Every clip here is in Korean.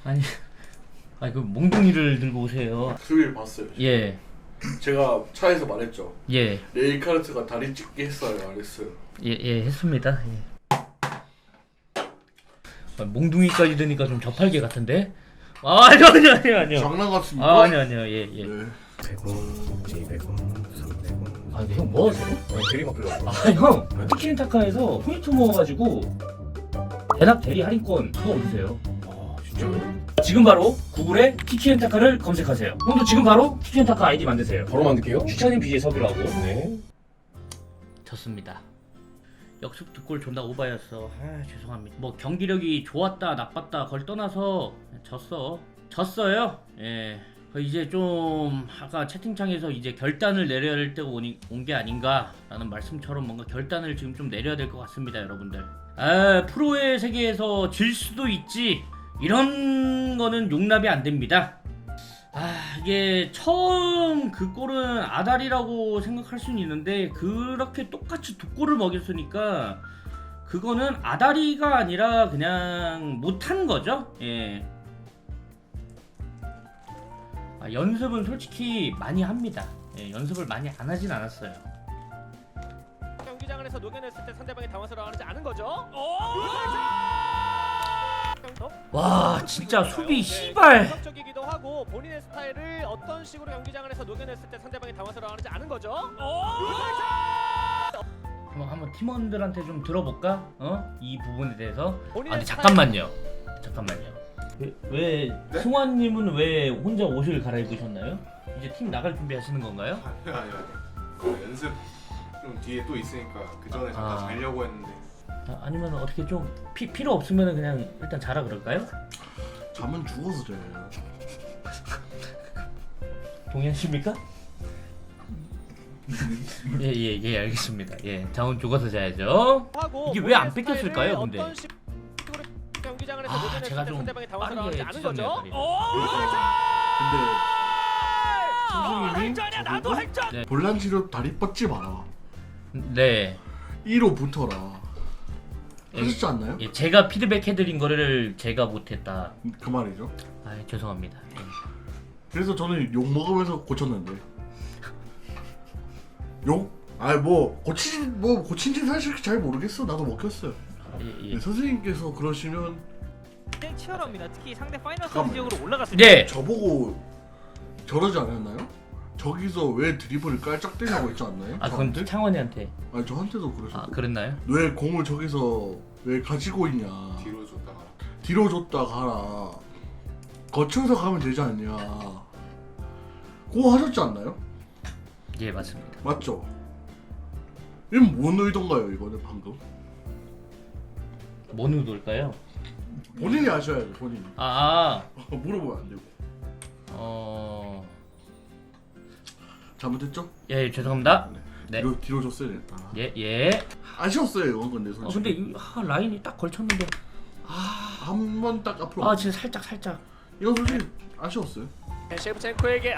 아니 그 몽둥이를 들고 오세요. 수요일 봤어요. 예. 제가 차에서 말했죠. 예. 레이카르트가 다리 찢기 했어요, 안 했어요? 예, 했습니다. 예. 몽둥이까지 드니까 좀 저팔계 같은데? 아니요. 장난 같습니까? 아니요. 예. 네. 100원, 200원, 300원. 근데 형 뭐 하세요? 대리 바꾸려고. 형! 티키타카에서 포인트 모아가지고 대납 대리 할인권 그거 얻으세요. 진짜요? 지금 바로 구글에 티키엔타카를 검색하세요. 형도 지금 바로 티키엔타카 아이디 만드세요. 바로 만들게요. 주차님 BJ 섭외하고. 네. 졌습니다. 역습 득골 존나 오바였어. 죄송합니다. 뭐 경기력이 좋았다 나빴다 그걸 떠나서 졌어요. 예. 이제 좀 아까 채팅창에서 이제 결단을 내려야 할 때가 온 게 아닌가라는 말씀처럼 뭔가 결단을 지금 좀 내려야 될 것 같습니다, 여러분들. 프로의 세계에서 질 수도 있지. 이런 거는 용납이 안 됩니다. 이게 처음 그 골은 아다리라고 생각할 수는 있는데 그렇게 똑같이 두 골을 먹였으니까 그거는 아다리가 아니라 그냥 못한 거죠. 예. 연습은 솔직히 많이 합니다. 예, 연습을 많이 안 하진 않았어요. 경기장 안에서 녹여냈을 때 상대방이 당황스러워하지 않은 거죠. 와 진짜 수비 씨발. 적이기도 하고 본인의 스타일을 어떤 식으로 경기장 안에서 녹여냈을 때 상대방이 당황스러워하지 않은 거죠. 한번 팀원들한테 좀 들어볼까? 이 부분에 대해서. 근데 본인의 잠깐만요. 왜 네? 승환님은 왜 혼자 옷을 갈아입으셨나요? 이제 팀 나갈 준비하시는 건가요? 아니요. 연습 좀 뒤에 또 있으니까 그 전에 잠깐 자려고 했는데 아니면 어떻게 좀 필요 없으면 그냥 일단 자라 그럴까요? 잠은 죽어서 자요. 동의하십니까? 예 알겠습니다. 예 자원 죽어서 자야죠. 하고 이게 왜 안 본인의 뺏겼을까요, 스타일을 근데? 어떤 식으로 경기장 안에서 녹여냈을 제가 때 좀 상대방이 빠르게 당황스러워하지 않은 거죠. 근데 할전이야 나도 할전. 네. 볼란치로 다리 뻗지 마라. 네. 1호 붙어라. 하셨지 않나요? 예, 제가 피드백 해드린 거를 제가 못했다. 그 말이죠. 죄송합니다. 예. 그래서 저는 욕 먹으면서 고쳤는데. 욕? 뭐 고친지 사실 잘 모르겠어. 나도 먹혔어요. 예. 선생님께서 그러시면 굉장히 치열합니다. 특히 상대 파이널 잠깐만요. 지역으로 올라갔을 네. 저보고 저러지 않았나요? 저기서 왜 드리블을 깔짝대냐고 했지 않나요? 그건 저한테? 창원이한테. 저한테도 그러셨고. 그랬나요? 왜 공을 저기서 왜 가지고 있냐? 뒤로 줬다가 뒤로 줬다 가라. 거쳐서 가면 되지 않냐? 그거 하셨지 않나요? 예 맞습니다. 맞죠? 이건 뭔 의도인가요 이거는 방금? 뭔 의도일까요? 본인이 아셔야 돼 본인이. 물어보면 안 되고. 잘못했죠? 예 죄송합니다. 네. 뒤로 줬어야 됐다. 예. 아쉬웠어요 이건 근데 솔직히. 근데 라인이 딱 걸쳤는데. 한 번 딱 앞으로. 진짜 살짝. 이건 솔직히 아쉬웠어요. 셰프첸코에게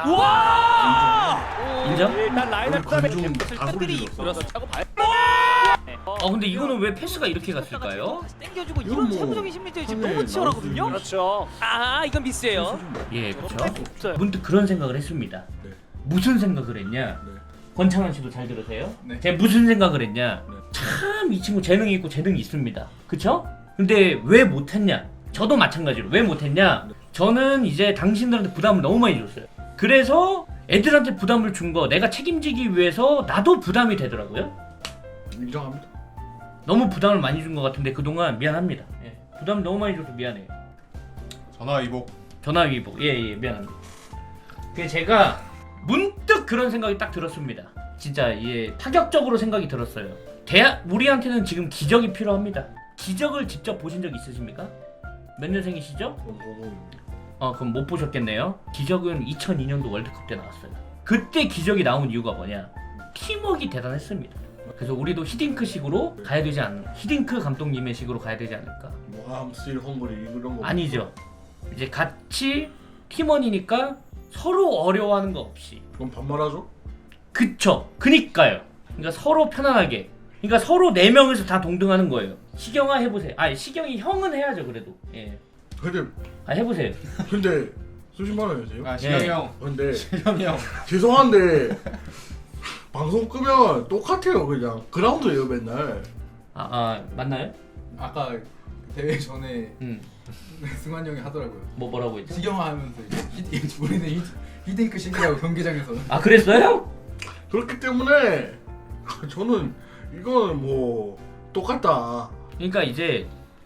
인정? 일단 라인을 관중 다 팬들이 소리 질렀어. 그렇다고 봐요. 근데 이거는 왜 패스가 이렇게 갔을까요? 땡겨주고 이건 이런 뭐 세부적인 심리전이 지금 판에 너무 치열하거든요. 나올 그렇죠. 이건 미스예요. 예 그렇죠. 없어요. 문득 그런 생각을 했습니다. 네. 무슨 생각을 했냐? 네. 권창환 씨도 잘 들으세요? 네. 제가 무슨 생각을 했냐? 네. 참 이 친구 재능이 있고 재능이 있습니다. 그쵸? 근데 왜 못했냐? 저도 마찬가지로 왜 못했냐? 저는 이제 당신들한테 부담을 너무 많이 줬어요. 그래서 애들한테 부담을 준 거 내가 책임지기 위해서 나도 부담이 되더라고요. 인정합니다. 너무 부담을 많이 준 것 같은데 그동안 미안합니다. 예. 부담 너무 많이 줘서 미안해요. 전화위복 전화위복 예 미안합니다. 그래서 제가 문득 그런 생각이 딱 들었습니다. 진짜 파격적으로 생각이 들었어요. 우리한테는 지금 기적이 필요합니다. 기적을 직접 보신 적 있으십니까? 몇 년생이시죠? 그럼 못 보셨겠네요. 기적은 2002년도 월드컵 때 나왔어요. 그때 기적이 나온 이유가 뭐냐? 팀워크가 대단했습니다. 그래서 우리도 히딩크식으로 가야 되지 않나? 히딩크 감독님의 식으로 가야 되지 않을까? 암스틸 헝거리 이런 거 아니죠. 이제 같이 팀원이니까 서로 어려워하는 거 없이. 그럼 반말하죠? 그쵸. 그니까요. 그러니까 서로 편안하게. 그러니까 서로 4명에서 다 동등하는 거예요. 시경아 해보세요. 시경이 형은 해야죠 그래도. 예. 근데 해보세요. 수십만 원이세요? 아 시영이 네. 형. 근데 시영이 형. 죄송한데 방송 끄면 똑같아요 그냥 그라운드예요 맨날. 맞나요? 아까 대회 전에 음. 승환이 형이 하더라고요. 뭐라고 했죠? 시경하면서 우리는 히딩크 시기라고 경기장에서. 아 그랬어요? 그렇기 때문에 저는 이거는 뭐 똑같다. 그러니까 이제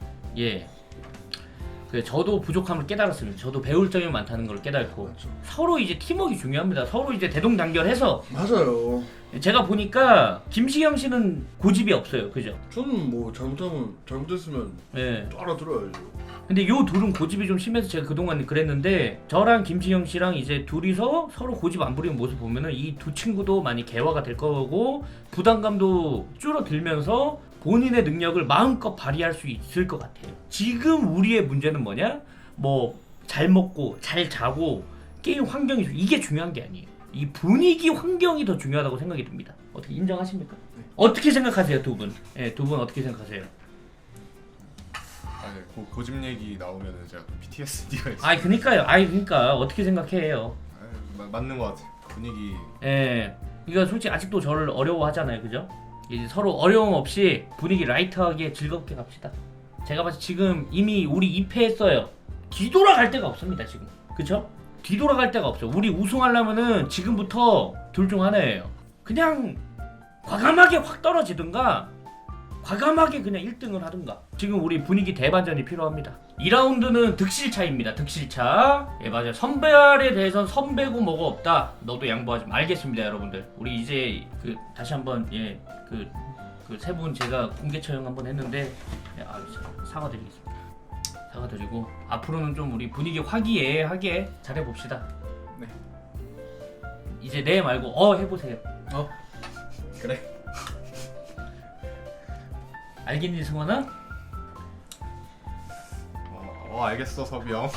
저도 부족함을 깨달았습니다. 저도 배울 점이 많다는 걸 깨달고 맞죠. 서로 이제 팀워크가 중요합니다. 서로 이제 대동단결해서 맞아요. 제가 보니까 김시경 씨는 고집이 없어요, 그죠? 저는 뭐 잘못했으면 예. 알아들어야죠. 근데 요 둘은 고집이 좀 심해서 제가 그동안 그랬는데 저랑 김시경 씨랑 이제 둘이서 서로 고집 안 부리는 모습 보면은 이 두 친구도 많이 개화가 될 거고 부담감도 줄어들면서 본인의 능력을 마음껏 발휘할 수 있을 것 같아요. 지금 우리의 문제는 뭐냐? 뭐 잘 먹고 잘 자고 게임 환경이 이게 중요한 게 아니에요. 이 분위기 환경이 더 중요하다고 생각이 듭니다. 어떻게 인정하십니까? 어떻게 생각하세요, 두 분? 예, 두 분 어떻게 생각하세요? 아, 네. 고집 얘기 나오면은 제가 또 PTSD가 있어요. 그러니까 어떻게 생각해요? 맞는 것 같아요. 분위기. 예. 그러니까 솔직히 아직도 저를 어려워하잖아요, 그죠? 이제 서로 어려움 없이 분위기 라이트하게 즐겁게 갑시다. 제가 봤을 때 지금 이미 우리 2패했어요. 뒤돌아갈 데가 없습니다, 지금. 그쵸? 뒤돌아갈 데가 없어. 우리 우승하려면은 지금부터 둘 중 하나예요. 그냥 과감하게 확 떨어지든가 과감하게 그냥 1등을 하든가. 지금 우리 분위기 대반전이 필요합니다. 2라운드는 득실차입니다. 득실차. 예, 맞아요. 선발에 대해서는 선배고 뭐가 없다. 너도 양보하지 마. 알겠습니다, 여러분들. 우리 이제 다시 한번 그 세 분 제가 공개 처형 한번 했는데 사과드리겠습니다. 사과드리고 앞으로는 좀 우리 분위기 화기애애하게 잘해봅시다. 네. 이제 네 말고 해보세요. 그래. 알겠니, 승원아? 알겠어 섭이 형.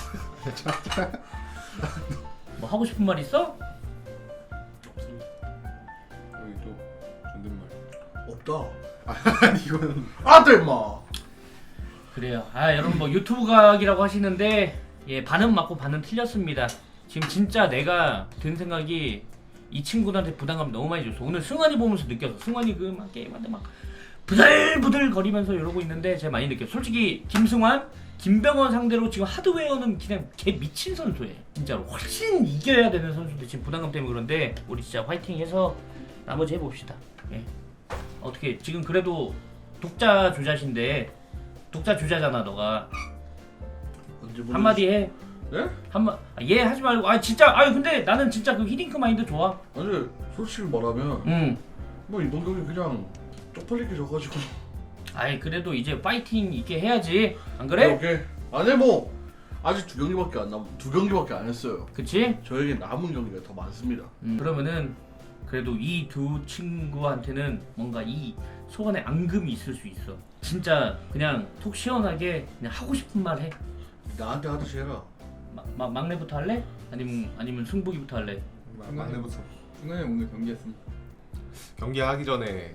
뭐 하고 싶은 말 있어? 없습니다. 여기 또 존댓말. 없다. 아니 이거는. 안돼 임마. 그래요. 여러분 뭐 유튜브 각이라고 하시는데 반은 맞고 반은 틀렸습니다. 지금 진짜 내가 든 생각이 이 친구들한테 부담감 너무 많이 줬어. 오늘 승환이 보면서 느꼈어. 승환이 막 게임한테 막 부들부들 거리면서 이러고 있는데 제가 많이 느꼈어. 솔직히 김승환, 김병헌 상대로 지금 하드웨어는 그냥 개 미친 선수예요. 진짜로 훨씬 이겨야 되는 선수인데 지금 부담감 때문에 그런데 우리 진짜 화이팅해서 나머지 해봅시다. 예. 어떻게 지금 그래도 독자 주자신데 독자 주자잖아 너가. 언제 한마디 해. 네? 예 하지 말고 진짜 근데 나는 진짜 그 히딩크 마인드 좋아. 아니 솔직히 말하면 뭐 이번 경기 그냥 쪽팔리게 져가지고. 그래도 이제 파이팅 있게 해야지. 안 그래? 오케이. 아니 뭐 아직 두 경기밖에 안 했어요. 그치? 저에게 남은 경기가 더 많습니다. 그러면은 그래도 이 두 친구한테는 뭔가 이 소원의 앙금이 있을 수 있어. 진짜 그냥 속 시원하게 그냥 하고 싶은 말 해. 나한테 하듯이 해라. 막내부터 할래? 아니면 승복이부터 할래? 막내부터. 승환이 형 오늘 경기했습니다. 경기하기 전에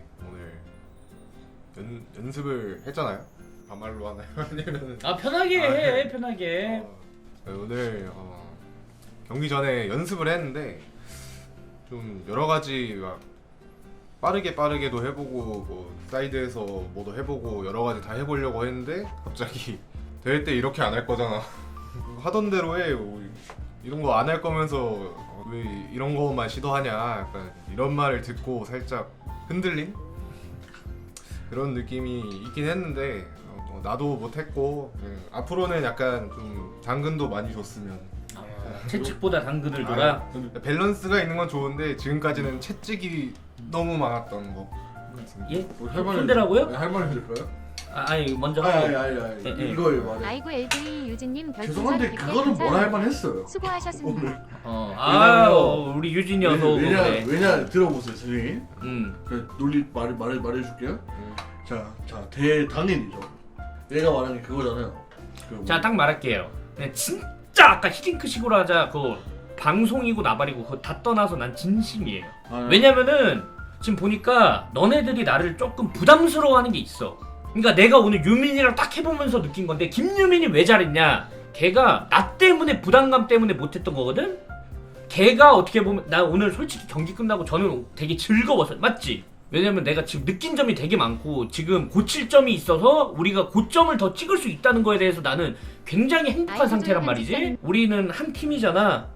오늘 연습을 했잖아요. 반말로 하나요? 아니면은 편하게 해. 네. 편하게. 오늘 경기 전에 연습을 했는데 좀 여러 가지 막 빠르게도 해보고 뭐 사이드에서 뭐도 해보고 여러 가지 다 해보려고 했는데 갑자기 대회 때 이렇게 안 할 거잖아. 하던 대로 해. 이런 거 안 할 거면서 왜 이런 거만 시도하냐. 약간 이런 말을 듣고 살짝 흔들린 그런 느낌이 있긴 했는데 나도 못했고 앞으로는 약간 좀 당근도 많이 줬으면. 채찍보다 당근을 줘라. 밸런스가 있는 건 좋은데 지금까지는 채찍이 너무 많았던 거. 예? 뭐 할 말- 손대라고요? 네, 할 말이 될까요? 먼저 하고. 아니 이거에 말해. 아이고 LG 유진님 별풍선 죄송한데 100개 그거는 뭘 감사합니다. 할 만했어요. 수고하셨습니다. 우리 유진이 어서 오고 그래. 왜냐 들어보세요 선생님. 응. 그 논리 말해줄게요. 자 대당연이죠. 얘가 말하는 게 그거잖아요. 자, 딱 말할게요. 진짜 아까 히딩크 식으로 하자. 그거 방송이고 나발이고 그거 다 떠나서 난 진심이에요. 왜냐면은 지금 보니까 너네들이 나를 조금 부담스러워하는 게 있어. 그러니까 내가 오늘 유민이랑 딱 해보면서 느낀 건데 김유민이 왜 잘했냐? 걔가 나 때문에 부담감 때문에 못했던 거거든. 걔가 어떻게 보면 나 오늘 솔직히 경기 끝나고 저는 되게 즐거웠어. 맞지? 왜냐면 내가 지금 느낀 점이 되게 많고 지금 고칠 점이 있어서 우리가 고점을 더 찍을 수 있다는 거에 대해서 나는 굉장히 행복한 상태란 말이지. 우리는 한 팀이잖아.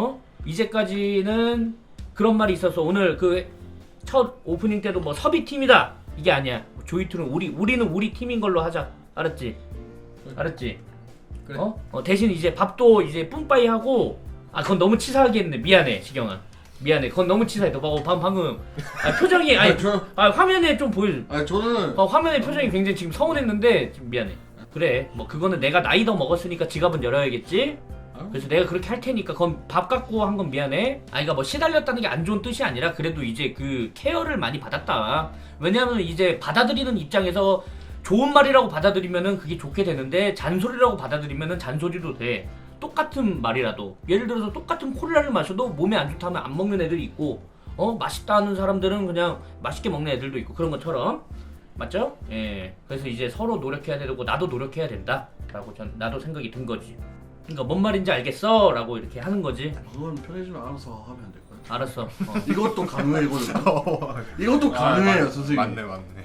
이제까지는 그런 말이 있어서 오늘 그 첫 오프닝 때도 뭐 섭이 팀이다 이게 아니야. 조이투는 우리는 우리 팀인 걸로 하자. 알았지? 알았지? 그래. 대신 이제 밥도 이제 뿜빠이 하고. 아 그건 너무 치사하게 했네. 미안해 시경아. 미안해. 그건 너무 치사해. 너 방금 표정이 아니 화면에 좀 보여. 아니 저는 화면에 표정이 굉장히 지금 서운했는데 지금 미안해. 그래 뭐 그거는 내가 나이 더 먹었으니까 지갑은 열어야겠지. 그래서 내가 그렇게 할 테니까 그건 밥 갖고 한 건 미안해. 그러니까 뭐 시달렸다는 게 안 좋은 뜻이 아니라 그래도 이제 그 케어를 많이 받았다. 왜냐면 이제 받아들이는 입장에서 좋은 말이라고 받아들이면은 그게 좋게 되는데 잔소리라고 받아들이면은 잔소리도 돼. 똑같은 말이라도 예를 들어서 똑같은 콜라를 마셔도 몸에 안 좋다면 안 먹는 애들이 있고 맛있다 하는 사람들은 그냥 맛있게 먹는 애들도 있고 그런 것처럼 맞죠? 예. 그래서 이제 서로 노력해야 되고 나도 노력해야 된다라고 나도 생각이 든 거지. 그러니까 뭔 말인지 알겠어? 라고 이렇게 하는 거지. 그건 편해지면 알아서 하면 안 될까요? 알았어. 이것도 가능해거든요. 이것도 가능해요 선생님. 맞네.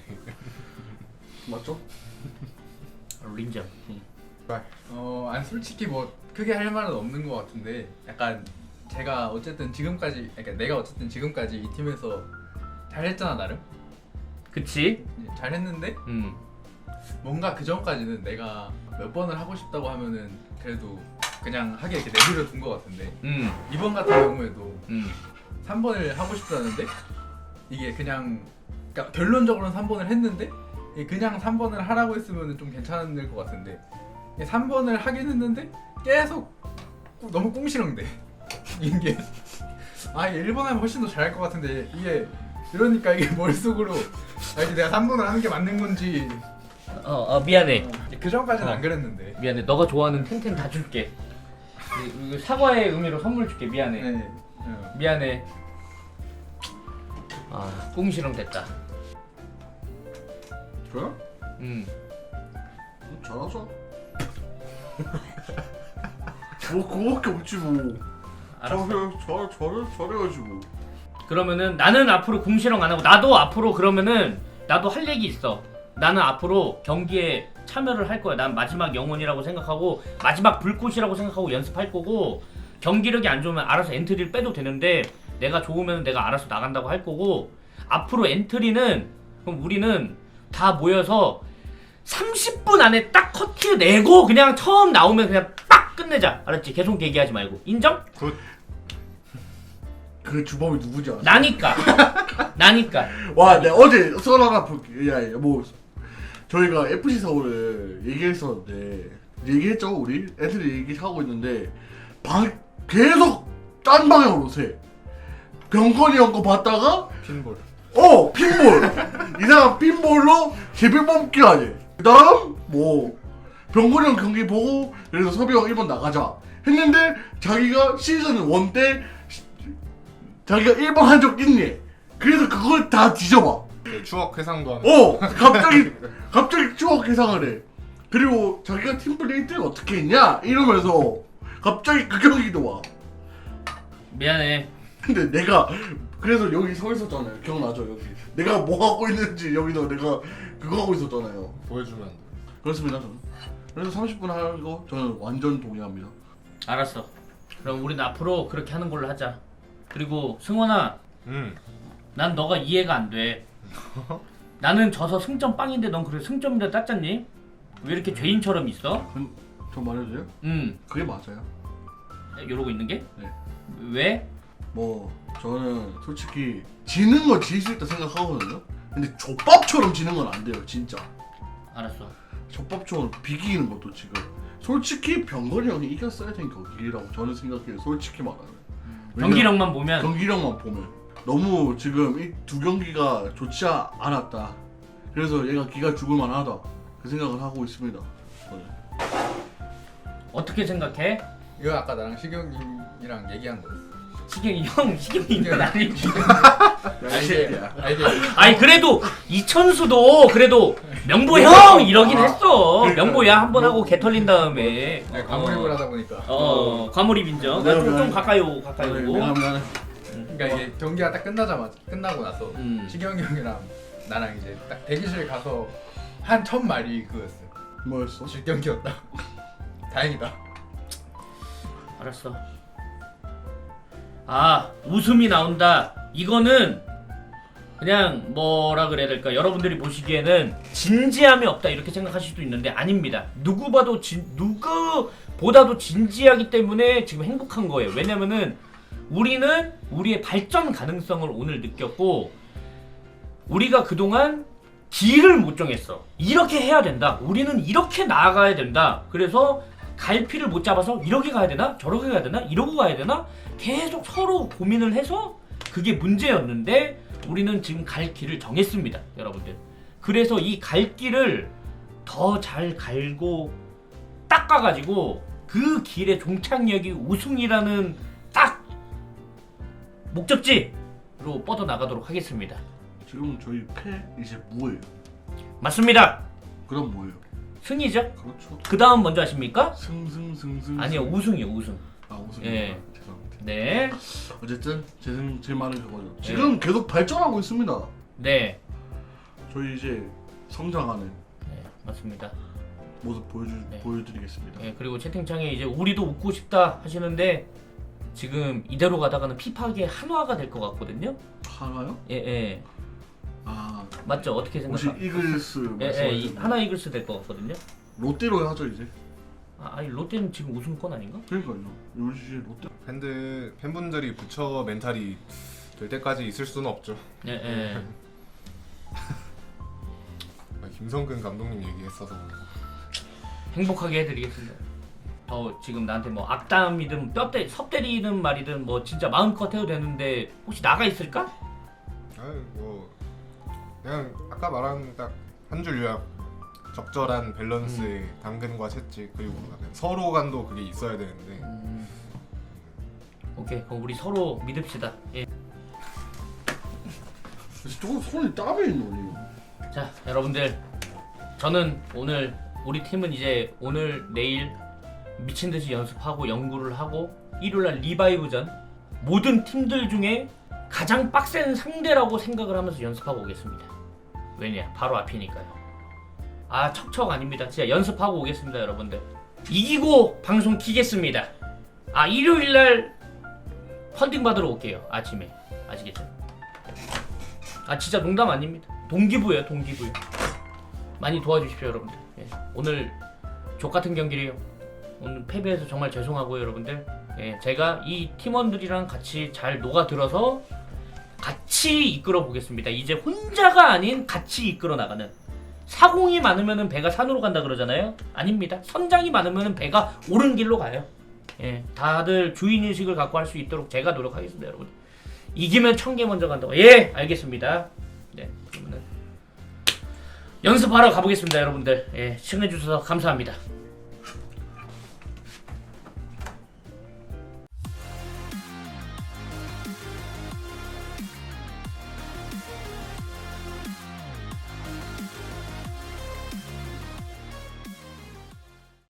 맞죠? 인정. 아니 솔직히 뭐 크게 할 말은 없는 것 같은데 약간 제가 어쨌든 지금까지 그러니까 내가 어쨌든 지금까지 이 팀에서 잘했잖아 나름. 그치? 잘했는데 뭔가 그 전까지는 내가 몇 번을 하고 싶다고 하면은 그래도 그냥 하게 이렇게 내버려 둔 것 같은데 이번 같은 경우에도 3번을 하고 싶다는데 이게 그냥 그러니까 결론적으로는 3번을 했는데 이게 그냥 3번을 하라고 했으면 좀 괜찮을 것 같은데 3번을 하긴 했는데 계속 너무 꽁시렁대. 이게 이게 1번 하면 훨씬 더 잘할 것 같은데 이게 이러니까 이게 머릿속으로 이게 내가 3번을 하는 게 맞는 건지 미안해. 그 전까지는 안 그랬는데. 미안해. 너가 좋아하는 텐텐 다 줄게. 이거 사과의 의미로 선물 줄게. 미안해. 네. 미안해. 꽁시렁 됐다. 저요? 잘하죠. 뭐 그거밖에 없지 뭐. 알았어. 잘해야지 뭐. 그러면은 나는 앞으로 궁시렁 안 하고 나도 앞으로 그러면은 나도 할 얘기 있어. 나는 앞으로 경기에 참여를 할 거야. 난 마지막 영혼이라고 생각하고 마지막 불꽃이라고 생각하고 연습할 거고 경기력이 안 좋으면 알아서 엔트리를 빼도 되는데 내가 좋으면 내가 알아서 나간다고 할 거고 앞으로 엔트리는 그럼 우리는 다 모여서 30분 안에 딱 커트 내고 그냥 처음 나오면 그냥 빡 끝내자. 알았지? 계속 얘기하지 말고. 인정? 굿. 그 주범이 누구지? 알아? 나니까. 와, 내가 어제 썰 하나 볼게. 뭐 저희가 FC 서울을 얘기했었는데 얘기했죠 우리 애들이 얘기하고 있는데 계속 딴 방향으로 새. 병건이 형 거 봤다가 핀볼. 핀볼 이상한 핀볼로 제비 뽑기 하지. 그다음 뭐 병건이 형 경기 보고 그래서 섭이 형 1번 나가자 했는데 자기가 시즌 1 때 자기가 1번 한 적 있니? 그래서 그걸 다 뒤져봐. 추억 회상도 하는. 갑자기 추억 회상을 해. 그리고 자기가 팀플레이 때 어떻게 했냐 이러면서 갑자기 그 경기도 와. 미안해. 근데 내가 그래서 여기 서 있었잖아요. 기억나죠 여기. 내가 뭐 하고 있는지 여기서 내가 그거 하고 있었잖아요. 보여주면 안 돼. 그렇습니다 저는. 그래서 30분 하는 거 저는 완전 동의합니다. 알았어. 그럼 우린 앞으로 그렇게 하는 걸로 하자. 그리고 승원아, 난 너가 이해가 안 돼. 나는 져서 승점 빵인데 넌 그래 승점이라 땄잖니? 왜 이렇게 죄인처럼 있어? 저 말해줘요? 그게 맞아요. 이러고 있는 게? 네. 왜? 뭐 저는 솔직히 지는 건 질 수 있다 생각하거든요. 근데 족밥처럼 지는 건 안 돼요 진짜. 알았어. 족밥처럼 비기는 것도 지금 솔직히 병건이 형이 이겼어야 된 경기라고 저는 생각해요. 솔직히 말하면 경기력만 보면 경기력만 보면 너무 지금 이 두 경기가 좋지 않았다. 그래서 얘가 기가 죽을 만하다 그 생각을 하고 있습니다. 저는. 어떻게 생각해? 이거 아까 나랑 시경님이랑 얘기한 거였어. 시경이 이건 아니지. 이게 아니 그래도 이천수도 그래도 명보 형 이러긴 했어. 명보 정도야 한 번 하고 개 털린 다음에. 네, 과몰입을 하다 보니까. 과몰입 인정. 내가 좀 미안해. 가까이 오고 가까이 오고. 미안해. 그러니까 이게 경기가 딱 끝나고 나서 시경이 형이랑 나랑 이제 딱 대기실 가서 한 첫 말이 그거였어요. 뭐였어? 질 경기였다. 다행이다. 알았어. 아, 웃음이 나온다. 이거는 그냥 뭐라 그래야 될까? 여러분들이 보시기에는 진지함이 없다 이렇게 생각하실 수도 있는데 아닙니다. 누구보다도 진지하기 때문에 지금 행복한 거예요. 왜냐면은 우리는 우리의 발전 가능성을 오늘 느꼈고 우리가 그동안 길을 못 정했어. 이렇게 해야 된다. 우리는 이렇게 나아가야 된다. 그래서 갈피를 못 잡아서 이렇게 가야 되나? 저렇게 가야 되나? 이러고 가야 되나? 계속 서로 고민을 해서 그게 문제였는데 우리는 지금 갈 길을 정했습니다. 여러분들. 그래서 이 갈 길을 더 잘 갈고 닦아가지고 그 길의 종착역이 우승이라는 딱 목적지로 뻗어나가도록 하겠습니다. 지금 저희 패 이제 뭐예요? 맞습니다. 그럼 뭐예요? 승이죠. 그렇죠. 그 다음 먼저 하십니까? 승. 아니요, 우승이요, 우승. 아 우승. 예. 죄송합니다. 네. 어쨌든 제 말은 그거죠. 지금 계속 발전하고 있습니다. 네. 저희 이제 성장하는 네, 맞습니다. 모습 네. 보여드리겠습니다. 예, 그리고 채팅창에 이제 우리도 웃고 싶다 하시는데 지금 이대로 가다가는 피파계 한화가 될 것 같거든요. 하나요? 예, 예. 아 맞죠? 어떻게 혹시 생각하세요? 이글스 예, 예, 말씀하시는 하나 이글스 될 것 같거든요. 롯데로 하죠 이제. 아니 롯데는 지금 우승권 아닌가? 그러니까요. 요즘 롯데 팬분들이 부처 멘탈이 될 때까지 있을 수는 없죠. 예, 예. 김성근 감독님 얘기했어서 행복하게 해드리겠습니다. 더 지금 나한테 뭐 악담이든 섭 때리는 말이든 뭐 진짜 마음껏 해도 되는데 혹시 나가 있을까? 뭐 그냥 아까 말한 딱 한 줄 요약 적절한 밸런스의 당근과 채찍 그리고 서로 간도 그게 있어야 되는데 오케이, 그럼 우리 서로 믿읍시다. 예. 조금 손이 땀이 있노니. 자, 여러분들, 저는 오늘 우리 팀은 이제 오늘 내일 미친 듯이 연습하고 연구를 하고 일요일날 리바이브전 모든 팀들 중에 가장 빡센 상대라고 생각을 하면서 연습하고 오겠습니다. 왜냐? 바로 앞이니까요. 아, 척척 아닙니다. 진짜 연습하고 오겠습니다, 여러분들. 이기고 방송 키겠습니다. 아, 일요일날 펀딩 받으러 올게요. 아침에. 아시겠죠? 아, 진짜 농담 아닙니다. 동기부예요, 동기부요. 많이 도와주십시오, 여러분들. 예. 오늘 족같은 경기래요. 오늘 패배해서 정말 죄송하고요, 여러분들. 예, 제가 이 팀원들이랑 같이 잘 녹아들어서 같이 이끌어 보겠습니다. 이제 혼자가 아닌 같이 이끌어 나가는. 사공이 많으면 배가 산으로 간다 그러잖아요. 아닙니다. 선장이 많으면 배가 옳은 길로 가요. 예, 다들 주인의식을 갖고 할 수 있도록 제가 노력하겠습니다, 여러분. 이기면 1000개 먼저 간다고. 예, 알겠습니다. 네, 그러면은 연습하러 가보겠습니다, 여러분들. 예, 시청해주셔서 감사합니다.